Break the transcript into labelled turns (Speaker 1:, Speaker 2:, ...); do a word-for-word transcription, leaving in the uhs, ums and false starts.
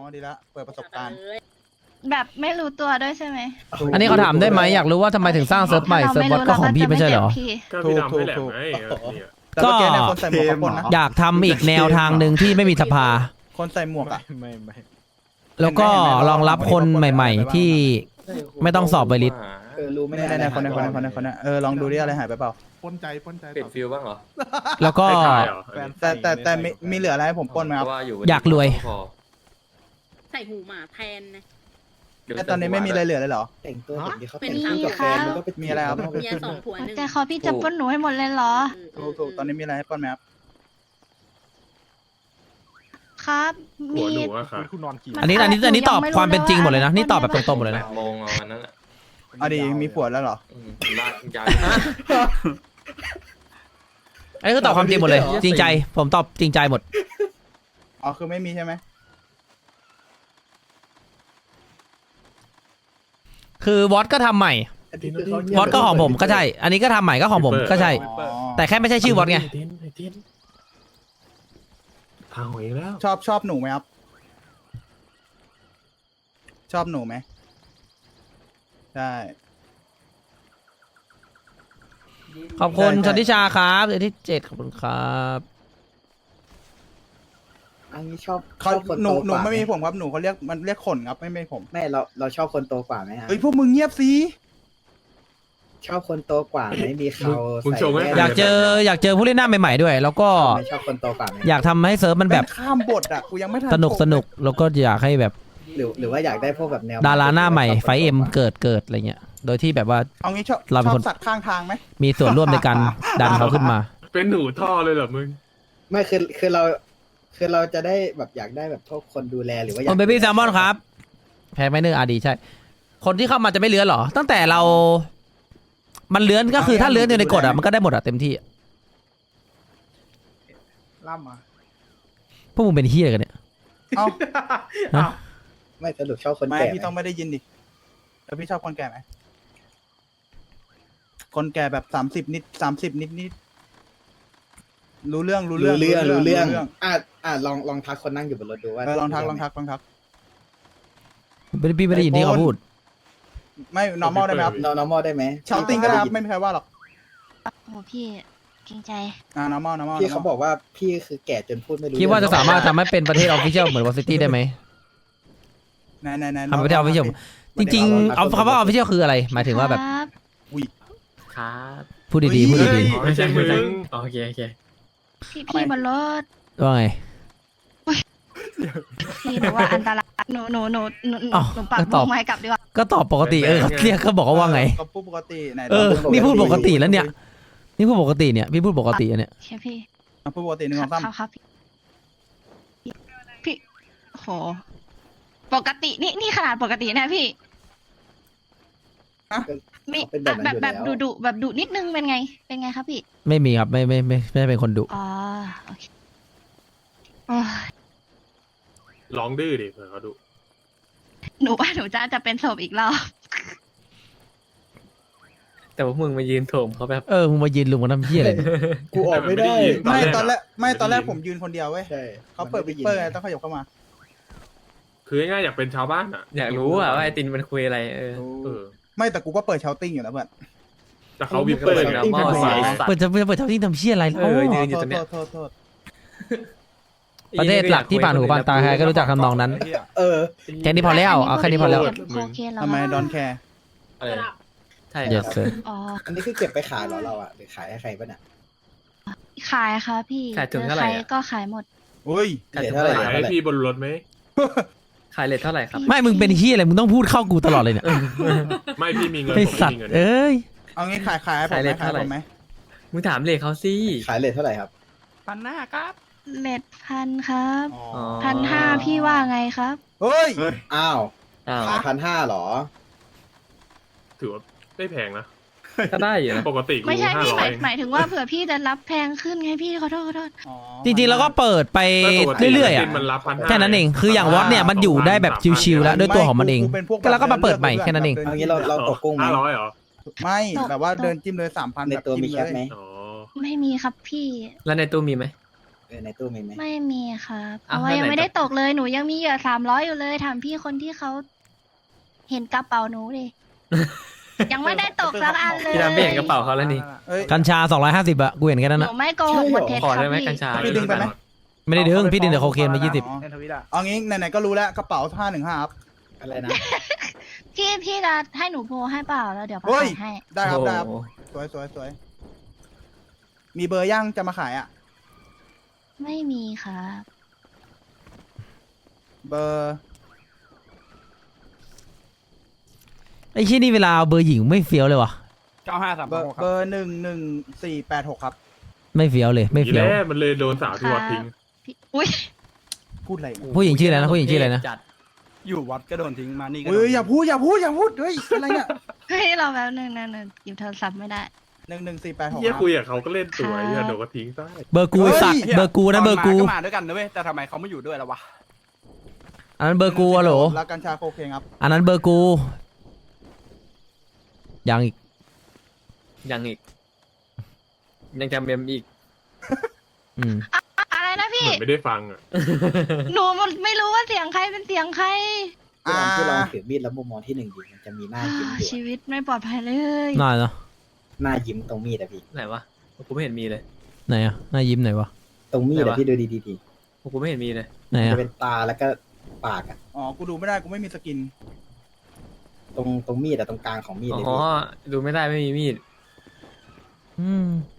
Speaker 1: ดีละเปิดประสบการณ์
Speaker 2: แบบไม่รู้ตัวด้วยใช่ไหม
Speaker 3: อันนี้เขาถามได้ไหมอยากรู้ว่าทำไมถึงสร้างเซิร์ฟใหม่เซิร์ฟบอทก็ของพี่ไม่ใช่เหรอ
Speaker 4: ก็พี่ดำไม่แหลมไงเออเนี่ย
Speaker 1: แต่เมื่อกี้เนี่ยคนใส่หมวกเขาปนนะ
Speaker 3: อยากทำอีกแนวทางหนึ่งที่ไม่มีสภา
Speaker 1: คนใส่หมวกอ่ะ
Speaker 5: ไม่ไม่
Speaker 3: แล้วก็รองรับคนใหม่ ๆ ที่ไม่ต้องสอบใบลิสต์
Speaker 6: เออรู้ไม่
Speaker 1: ไม่
Speaker 6: ได้
Speaker 1: ได้ในคนในคนในคนในคนในเออลองดูดิอะไรหายไปเปล่า
Speaker 5: ปนใจปนใจ
Speaker 7: เปลี่ยนฟิลบ้างเหรอ
Speaker 3: แล้วก็
Speaker 4: ให้ทายเหรอ
Speaker 1: แต่แต่แต่มีมีเหลืออะไรให้ผมปนไหม
Speaker 7: เพ
Speaker 1: ครับ
Speaker 7: ราะว่าอยู่
Speaker 3: อยากรวย
Speaker 7: พอ
Speaker 8: ใส่หูหมาแทนนะ
Speaker 1: แต่ตอนนี้ไม่มีอะไรเหลือเลยเหรอ
Speaker 6: แต่งตัวแบบนี้เขาแต่ง
Speaker 2: เป็น
Speaker 6: คู่กับแฟน
Speaker 2: ครับ
Speaker 6: มันก็ไป
Speaker 1: มีอะไรครับ
Speaker 8: เมียสองผัวหนึ่ง
Speaker 2: แต่ขอพี่จะปล้นหนูให้หมดเลยเหรอ
Speaker 1: ถูกถูกตอนนี้มีอะไรให้ปนไหมครับ
Speaker 2: ครับ
Speaker 4: หั
Speaker 2: มี
Speaker 4: วหนูอะค่ะ
Speaker 5: คุณนอนกี่
Speaker 3: อันนี้อันนี้อันนี้ตอบความเป็นจริงหมดเลยนะนี่ตอบแบบตรงๆหมดเลย
Speaker 7: แป
Speaker 3: นะ
Speaker 7: ดโมงเอาวันนั้นแหละ
Speaker 1: เอาดีมีผัวแล้วเหรอ
Speaker 7: อืมลากยาว
Speaker 3: อันนี้คือตอบความจริงหมดเลย จริงใจ ผมตอบจริงใจหมด
Speaker 1: อ๋อคือไม่มีใช่ไหม
Speaker 3: คือวอตก็ทำใหม่
Speaker 6: อันนี้คือเขา
Speaker 3: วอตก็ของผมก็ใช่ อันนี้ก็ทำใหม่ก็ของผมก็ใช่
Speaker 1: อ๋อ
Speaker 3: แต่แค่ไม่ใช่ชื่อวอตไง
Speaker 4: ไอ้เต้นไอ้เต้นทางหวยอีกแล้ว
Speaker 1: ชอบชอบหนูไหมครับ ชอบหนูไหมใช่
Speaker 3: ขอบคุณชนทิชาครับเดือนที่เจ็ดขอบคุณครับ
Speaker 6: อันนี้ชอบช
Speaker 1: เขา
Speaker 6: อบคน
Speaker 1: ห
Speaker 6: โต
Speaker 1: นู
Speaker 6: ก
Speaker 1: หนู
Speaker 6: ว่า
Speaker 1: ไม่มีผมครับหนูเขาเรียกมันเรียกขนครับไม่ไม่ผม
Speaker 6: ไม่เราเราชอบคนโตกว่าไหมฮะ
Speaker 1: เฮ้ยพวกมึงเงียบสิ
Speaker 6: ชอบคนโตกว่าไม่มีเขา
Speaker 4: มึง
Speaker 6: ใส่
Speaker 4: โชว์ไหม
Speaker 6: แว่น
Speaker 3: อยากเจออยากเจอผู้เล่นหน้าใหม่ๆด้วย แล้วก็
Speaker 6: ไม่ชอบคนโตกว่าไหม
Speaker 3: อยากทำให้เซิร์ฟมันแบบ
Speaker 1: เป็นข้ามบทอ่ะกูยังไม่ทัน
Speaker 3: สนุก
Speaker 1: จบ
Speaker 3: สนุกแล้วก็อยากให้แบบ
Speaker 6: หรือหรือว่าอยากได้พวกแบบแนว
Speaker 3: ดาราหน้าใหม่ไฟเอ็มเกิดเกิดอะไรเงี้ย โดยที่แบบว่า
Speaker 1: เอางี้ชอบ
Speaker 3: เราเป็น
Speaker 1: ชอ
Speaker 3: คน
Speaker 1: บสัตว์ข้างทางไหม
Speaker 3: มีส่วนร่วมในการดันเขาขึ้นมา
Speaker 4: เป็นหนูท่อเลยเหรอมึง
Speaker 6: ไม่คือคือเราคือเราจะได้แบบอยากได้แบบพวกคนดูแลหรือว่าอยา
Speaker 3: คุ
Speaker 6: ก
Speaker 3: ณเบบี้แซลมอนครับ แพ้ไม่เนื้ออาดีใช่ คนที่เข้ามาจะไม่เลื้อนหรอ ตั้งแต่เรา มันเลื้อนก็คือถ้าเลื้อนอยู่ในกฎอ่ะมันก็ได้หมดอ่ะเต็มที่
Speaker 1: ล่ำอ่ะ
Speaker 3: พวกมึงเป็นเฮียอะไรกันเนี่ย
Speaker 1: เอ้า
Speaker 3: ฮะ
Speaker 6: ไม่สรุปชอบคน
Speaker 1: ไม่
Speaker 6: แก่
Speaker 1: พี่ต้องไม่ได้ยินดิแล้วพี่ชอบคนแก่ไหมคนแก่แบบสามสิบนิดสามสิบนิดนิดรู้เรื่องรู้
Speaker 6: รู้
Speaker 1: เรื่อง
Speaker 6: เรื่องรู้เรื่องอ่ะอ่ะลองลองทักคนนั่งอยู่บนรถดูว่า
Speaker 1: เออลองทักลองทักลองทัก
Speaker 3: ไม่ได้พี่ไม่ได้ยินที่เขาพูด
Speaker 1: ไม่ normal ได้ไหมครับ
Speaker 6: นอน normal ได้ไหม
Speaker 1: ชาวติ้งก็ได้ครับไม่มีใครว่าหรอก
Speaker 2: โอ้พี่เกรงใจ
Speaker 1: อ่า normal normal
Speaker 6: พี่เขาบอกว่าพี่คือแก่จนพูดไม่รู้
Speaker 3: คิดว่าจะสามารถทำให้เป็นประเทศออฟฟิเชียลเหมือนวอซิตี้ได้ไหม
Speaker 1: ไหนไหนไหน
Speaker 3: ทำประเทศออฟฟิเชียลจริงๆเอาคำว่าออฟฟิเชียลคืออะไร หมายถึงว่าแบบ
Speaker 2: ครับ
Speaker 7: ครับ
Speaker 3: พูดดีๆพูดดี
Speaker 4: ไม่ใช่มึง
Speaker 7: โอเคโอเค
Speaker 2: พี่พี่บนรถ
Speaker 3: ๆว่าไง
Speaker 2: พี่หนูว่าอันตรายหนูหนูหนูหนูหนู
Speaker 3: อ้าว
Speaker 2: หนูปรับ
Speaker 3: ก็ตอบ
Speaker 2: วงไม้กลับดีกว่า
Speaker 3: ก็ตอบปกติเออเรียกเขาบอกว่าว่าไง
Speaker 1: ก็พูดปกติไหน
Speaker 3: เออ นี่พูดปกติแล้วเนี่ย นี่พูดปกติเนี่ยพี่พูดปกติอันเนี่ย
Speaker 2: ใช่พี่
Speaker 1: อ่ะพูดปกติหนึ่ง
Speaker 2: ค
Speaker 1: ส
Speaker 2: รั
Speaker 1: อบ งสาม
Speaker 2: ครับครับพี่พี่โหปกตินี่นี่ขนาดปกตินะพี่มี
Speaker 6: เป็นแบบนั้น
Speaker 2: แบบ
Speaker 6: อยู่
Speaker 2: แบบ
Speaker 6: แล้ว
Speaker 2: ดุดุแบบดุนิดนึงเป็นไง เป็นไงครับพี่
Speaker 3: ไม่มีครับไม่ไม่ไม่ไม่ได้เป็นคนดุ
Speaker 2: อ๋อโอเคโอ้ย
Speaker 4: ร้องดื้อดิเผื่อเขาดู
Speaker 2: หนูว่าหนูจะจะเป็นศพอีกรอบ
Speaker 7: แต่ว่ามึงมายืนโถมเขาแบบ
Speaker 3: เออมึงมายืนลุมกันทำเพี้ยอะไรเนี่ย
Speaker 6: กูออกไม่ได้
Speaker 1: ไม่ตอนแรกไม่ตอนแรกผมยืนคนเดียวเว้ย
Speaker 6: ใช่
Speaker 1: เขาเปิดวิปเปอร์ไงต้องขยับเข้ามา
Speaker 4: คือง่ายๆอยากเป็นชาวบ้านอ่ะ
Speaker 7: อยากรู้อะว่าไอตินมันคุยอะไรเออ
Speaker 4: เออ
Speaker 1: ไม่แต่กูก็เปิดเชาติ้งอยู่นะเพื่อน
Speaker 4: แต่เขาวิปเปอร์ไง
Speaker 6: ติ้งเป็นภาษา
Speaker 3: เปิดจะเปิดเท่าที่ทำเพี้ยอะไร
Speaker 7: เอ
Speaker 3: แล้ว
Speaker 7: อยืนอยู่ตรงเนี้ย
Speaker 1: โทษโทษโทษ
Speaker 3: ประเทศหลักที่ผ่านหูผ่านตาใครก็รู้จักทำนองนั้น
Speaker 6: เออ
Speaker 3: แค่นี้พอแล้วเอาแค่นี้พอแล้ว
Speaker 2: โอเคแล้ว
Speaker 1: ทำไมดอนแคร์
Speaker 7: เออใช่ค
Speaker 3: yes
Speaker 7: รับ
Speaker 3: sir
Speaker 2: อ๋อ
Speaker 6: อันนี้คือเก็บไปขายเหรอเราอ่ะหรือขายให้ใครป่ะเนี่ย
Speaker 2: ขายค่ะพี่
Speaker 7: ขายถุงเท่าไหร่
Speaker 2: ใคร
Speaker 7: อะ
Speaker 2: ก็ขายหมด
Speaker 1: อุ้ย
Speaker 7: ขาย
Speaker 6: เดี๋ยว
Speaker 7: เท่า
Speaker 6: เท่า
Speaker 7: ไห
Speaker 6: ไห
Speaker 7: ร่
Speaker 6: ร่
Speaker 4: ขายให้พี่บนรถไหม
Speaker 7: ขายเลทเท่าไหร่ครับ
Speaker 3: ไม่มึงเป็นเฮียอะไรมึงต้องพูดเข้ากูตลอดเลยเนี่ย
Speaker 4: ไม่พี่มีเงิน
Speaker 3: ไอ
Speaker 4: ผม
Speaker 3: สั
Speaker 4: ไม่
Speaker 3: ต
Speaker 4: มี
Speaker 3: ว์
Speaker 4: เงิน
Speaker 3: เอ้ย
Speaker 1: เอางี้ขายขายให้ผมไหมขายผมไหม
Speaker 7: มึงถามเลทเขาสิ
Speaker 6: ขายเลทเท่าไหร่ครับ
Speaker 5: พันหน้าครับ
Speaker 2: เลทพันครับ
Speaker 1: อ๋อ
Speaker 7: อ๋อ
Speaker 2: พันห้าพี่ว่าไงครับ
Speaker 1: เฮ้ย
Speaker 6: อ้าว
Speaker 7: อ้าว
Speaker 6: ขายพันห้าหรอ
Speaker 4: ถือว่าไม่แพงนะ
Speaker 7: ก็ได้อยู่นะ
Speaker 4: ปกติกู
Speaker 2: ไม่ใช่
Speaker 4: ห้า
Speaker 2: พี่
Speaker 4: ร้
Speaker 2: ห
Speaker 4: อ
Speaker 2: มาย ยหมายถึงว่าเผื่อพี่จะรับแพงขึ้นไงพี่ขอโทษขอโทษ
Speaker 1: อ๋อ
Speaker 3: จริงๆแล้วก็เปิดไปเรื่อยๆอ่ะ
Speaker 4: มันรับพันห้า
Speaker 3: แค่นั้นเองคืออย่างวอตเนี่ยมันอยู่ได้แบบชิวๆแล้วด้วยตัวของมันเอง
Speaker 1: ป็นพก
Speaker 3: แล้วก็มาเปิดใหม่แค่นั้นเอง
Speaker 6: เอางี้เราเราตกกุ้งไหม
Speaker 4: ห้าร้อยเหรอ
Speaker 1: ไม่แบบว่าเดินจิ้มเลยสามพัน
Speaker 6: ในตัวมีแคปไหม
Speaker 4: อ๋อ
Speaker 2: ไม่มีครับพี่
Speaker 7: แล้วในตู้มีไหม
Speaker 6: เออในตู้มีไหม
Speaker 2: ไม่มีครับเพ
Speaker 7: อ้าว
Speaker 2: ราะว่ายัง
Speaker 7: แล้วไหน
Speaker 2: ไม่ได้ตกเลยหนูยังมีเหยื่อสามร้อยอยู่เลยถามพี่คนที่เขาเห็นกระเป๋าหนูดิ ยังไม่ได้ตกสักอันเลย
Speaker 7: พี่ดำไม่เห็นกระเป๋าเขาแล้วนี่
Speaker 1: เอ้ย
Speaker 3: กัญชาสองร้อยห้าสิบอะกูเห็นแค่นั้น
Speaker 2: ห
Speaker 3: อะ
Speaker 2: นูไม่โกหกหมดเท็จ
Speaker 7: ขอ
Speaker 2: ครั
Speaker 7: ได้
Speaker 2: บ
Speaker 7: ไหม
Speaker 2: พี่
Speaker 7: กัญชา
Speaker 1: พี่ดึงไปไหม
Speaker 3: ไม่ได้ดึงพี่ดึงแต่โคเคนมายี่สิบ
Speaker 5: ในทวิตอ่ะ
Speaker 1: เอางี้ไหนๆก็รู้แล้วกระเป๋าห้าหนึ่งห้าครับ
Speaker 6: อะไรนะ
Speaker 2: พี่พี่จะให้หนูโพลให้เปล่าแล้วเดี๋ยวประ
Speaker 1: เฮ้
Speaker 2: กาย ศให้
Speaker 1: ได้ครับได้ครับ
Speaker 7: โอ้โห
Speaker 1: สวยสวยสวยมีเบอร์ย่างจะมาขายอ่ะ
Speaker 2: ไม่มีครับ
Speaker 1: เบอร์
Speaker 3: ไอ้ชี้นี่เวลาเอาเบอร์หญิงไม่เฟี้ยวเลยวะ
Speaker 5: เก้าห้าสาม
Speaker 1: เบอร์
Speaker 5: หกค
Speaker 1: เบ
Speaker 5: รับ
Speaker 1: อร์หนึ่งหนึ่งสี่แปดหกครับ
Speaker 3: ไม่เฟี้ยวเลยไม่
Speaker 4: ที
Speaker 3: เฟี้ยว
Speaker 4: แรกมันเลยโดนสาวที่วัดทิ้ง
Speaker 2: พี่อุ้ย
Speaker 1: พูดอะไรเนี่ย
Speaker 3: ผู้หญิงชื่ออะไรนะผู้หญิงชื่ออะไรนะ
Speaker 7: จัด
Speaker 5: อยู่วัดก็โดนทิ้งมานี่ก็โด
Speaker 1: เฮ้
Speaker 5: น
Speaker 1: ยอย่าพูดอย่าพูดอย่าพูดเฮ้ยอะไรเนี่ย
Speaker 2: เฮ้ยเราแบบนึงนะหนูหยิบโทรศัพท์ไม่ได้
Speaker 1: หนึ่งหนึ่งสี่แปดหก
Speaker 4: เฮียคุยกับเขาก็เล่นสวย
Speaker 2: ครับ
Speaker 4: เฮียเดี๋ยวก็ทิ้งได้
Speaker 3: เบอร์กูไอ้สัตว์เบอร์กูนะเบอร์กู
Speaker 5: ตนมามาด้วยกันนะเว้ยแต่ทำไมเขาไม่อยู่ด้วยล่ะวะ
Speaker 3: อันนั้นเบอร์กูอะโหล
Speaker 1: แล้วกัญชาโคเคนครับ
Speaker 3: อันนั้นเบอร์กูยังอีก
Speaker 7: ยังอีก ยังจำเมมอีก
Speaker 3: อืม
Speaker 2: อะไรนะ
Speaker 4: เห
Speaker 2: พี่
Speaker 4: มือนไม่ได้ฟังอ่ะ
Speaker 2: หนูมันไม่รู้ว่าเสียงใครเป็นเสียงใคร
Speaker 6: พี่ลอง
Speaker 1: อ่า
Speaker 6: พี่ลองถือมีดแล้วมุมมองที่หนึ่งดิมันจะมีหน้ายิ้มอยู่
Speaker 2: ชี
Speaker 6: อะ
Speaker 2: วิตไม่ปลอดภัยเลย
Speaker 3: น่าเนาะ
Speaker 6: หน้ายิ้มตรงมีดอะพี่
Speaker 7: ไหนวะกูไม่เห็นมีเลย
Speaker 3: ไหนอะหน้ายิ้มไหนวะ
Speaker 6: ตรงมีด
Speaker 7: ไหน
Speaker 6: อะ
Speaker 7: วะ
Speaker 6: พี่ดูดีๆดี
Speaker 7: กูไม่เห็นมีเลย
Speaker 3: ไหน
Speaker 6: มัน
Speaker 3: อะ
Speaker 6: จะเป็นตาแล้วก็ปากอะ
Speaker 1: อ๋อกูดูไม่ได้กูไม่มีสกิน
Speaker 6: ตรงตรงมีดอะตรงกลางของมีด
Speaker 7: อ๋
Speaker 6: เลย
Speaker 7: อ
Speaker 6: พี่
Speaker 7: ดูไม่ได้ไม่มีมีด
Speaker 3: อืม